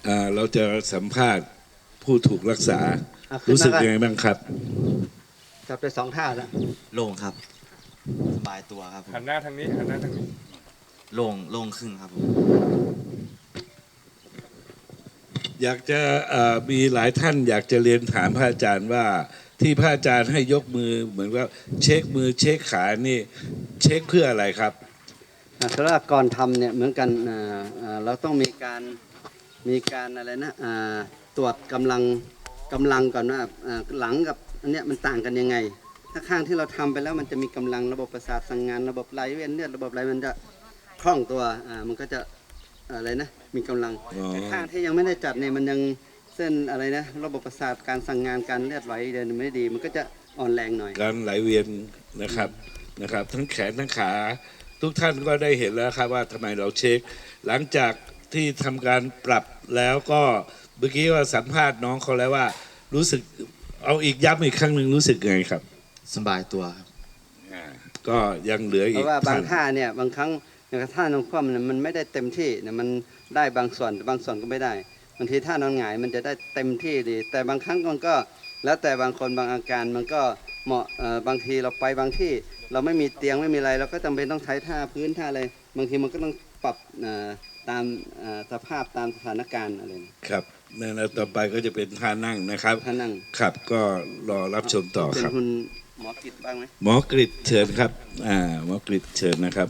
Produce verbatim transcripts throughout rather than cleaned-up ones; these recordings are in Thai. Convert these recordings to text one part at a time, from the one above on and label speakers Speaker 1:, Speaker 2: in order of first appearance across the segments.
Speaker 1: อ่าเราจะสัมภาษณ์ผู้ถูกรักษา
Speaker 2: อ่ะขึ้นมา
Speaker 1: รู้สึก
Speaker 2: ก่อน
Speaker 1: ยังไงบ้างครับ
Speaker 2: จับไปสองท่าแล้ว
Speaker 3: โล่งครับสบายตัวครับผม
Speaker 4: หันหน้าทางนี้หันหน้าทางนี้
Speaker 3: โล่งโล่งขึ้นครับผม
Speaker 1: อยากจะเอ่อมีหลายท่านอยากจะเรียนถามพระอาจารย์ว่าที่พระอาจารย์ให้ยกมือเหมือนว่าเช็คมือเช็คขานี่เช็คเพื่ออะไรครับ
Speaker 2: อ่ะสำหรับก่อนทำเนี่ยเหมือนกันอ่าอ่าเราต้องมีการมีการอะไรนะอ่าตรวจกำลังกำลังก่อนว่าอ่าหลังกับอันเนี้ยมันต่างกันยังไง ถ้าข้างที่เราทำไปแล้วมันจะมีกำลังระบบประสาทสั่งงานระบบไหลเวียนเลือดระบบอะไรมันจะคล่องตัวอ่ามันก็จะอะไรนะมีกำลัง
Speaker 1: อ๋อ
Speaker 2: แต่ข้างที่ยังไม่ได้จัดเนี่ยมันยังเส้นอะไรนะระบบประสาทการสั่งงานการเลือดไหลเดินไม่ดี มันก็จะอ่อนแรงหน่อย
Speaker 1: การไหลเวียนนะครับนะครับ ทั้งแขนทั้งขาทุกท่านก็ได้เห็นแล้วครับว่าทำไมเราเช็ค หลังจากที่ทำการปรับแล้วก็เมื่อกี้ว่าสัมภาษณ์น้องเขาแล้วว่ารู้สึกเอาอีกย้ำอีกครั้งหนึ่งรู้สึกไงครับ
Speaker 3: สบายตัวครับ
Speaker 1: อ่าก็ยังเหลือ
Speaker 2: เพ
Speaker 1: อีก
Speaker 2: ราะว่าบาง
Speaker 1: ท่าน
Speaker 2: ท่าเนี่ยบางครั้งอย่างท่านอนคว่ำเนี่ยมันไม่ได้เต็มที่เนี่ยมันได้บางส่วนแต่บางส่วนก็ไม่ได้บางทีท่านอนหงายมันจะได้เต็มที่ดี แต่บางครั้งมันก็แล้วแต่บางคนบางอาการมันก็เหมาะเอ่อบางทีเราไปบางที่เราไม่มีเตียงไม่มีอะไรเราก็จำเป็นต้องใช้ท่าพื้นท่าอะไรบางทีมันก็ต้องปรับเอ่อตามเอ่อสภาพตามสถานการณ์อะไรนะครับ
Speaker 1: นั่นแล้วต่อไปก็จะเป็นท่านั่งนะครับ
Speaker 2: ท่านั่ง
Speaker 1: ครับก็รอรับชมต่อ
Speaker 2: เป็
Speaker 1: คน รับ
Speaker 2: คุณหมอกิจบ้างไหม
Speaker 1: หมอกริดเชิญครับอ่าหมอกริดเชิญนะครับ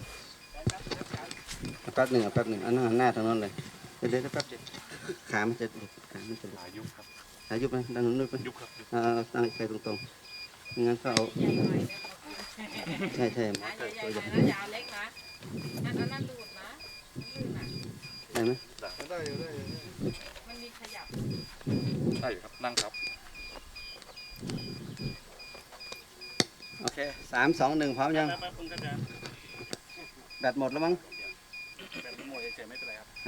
Speaker 2: แป๊บหนึ่งอ่ะแป๊บหนึ่งอันนั้นหันหน้าทางนั้นเลยเดี๋ยวเดี๋ยวแป๊บเดียวขามันจะหลุดขามันจะหลุด
Speaker 4: อายุครับ
Speaker 2: ขายุบไหมด้านนู้นยุบไหม
Speaker 4: ยุบครับยุบ
Speaker 2: เอาเอาตั้งใจตรงๆไม่งั้นก็เอาใช่ใช่หมอ
Speaker 5: นะ
Speaker 2: เกิด
Speaker 5: ให
Speaker 2: ตัว
Speaker 5: ญ่
Speaker 2: ใหญ่
Speaker 5: ๆนะอยาเล็กนะนั่นอันนั้นดูดนะลื่นอ่ะ
Speaker 2: ได้ไหม
Speaker 4: ได้ได้
Speaker 5: มันมีขยับ
Speaker 4: ได้อยู่ครับนั่งครับ
Speaker 2: โอเคสามสองหนึ่งพร้อมยัง
Speaker 4: แป๊บๆคุณก็จะ
Speaker 2: แบตหมดแล้วมั้ง
Speaker 4: เป็นโมยเฉยๆไม่เป็นไรครับ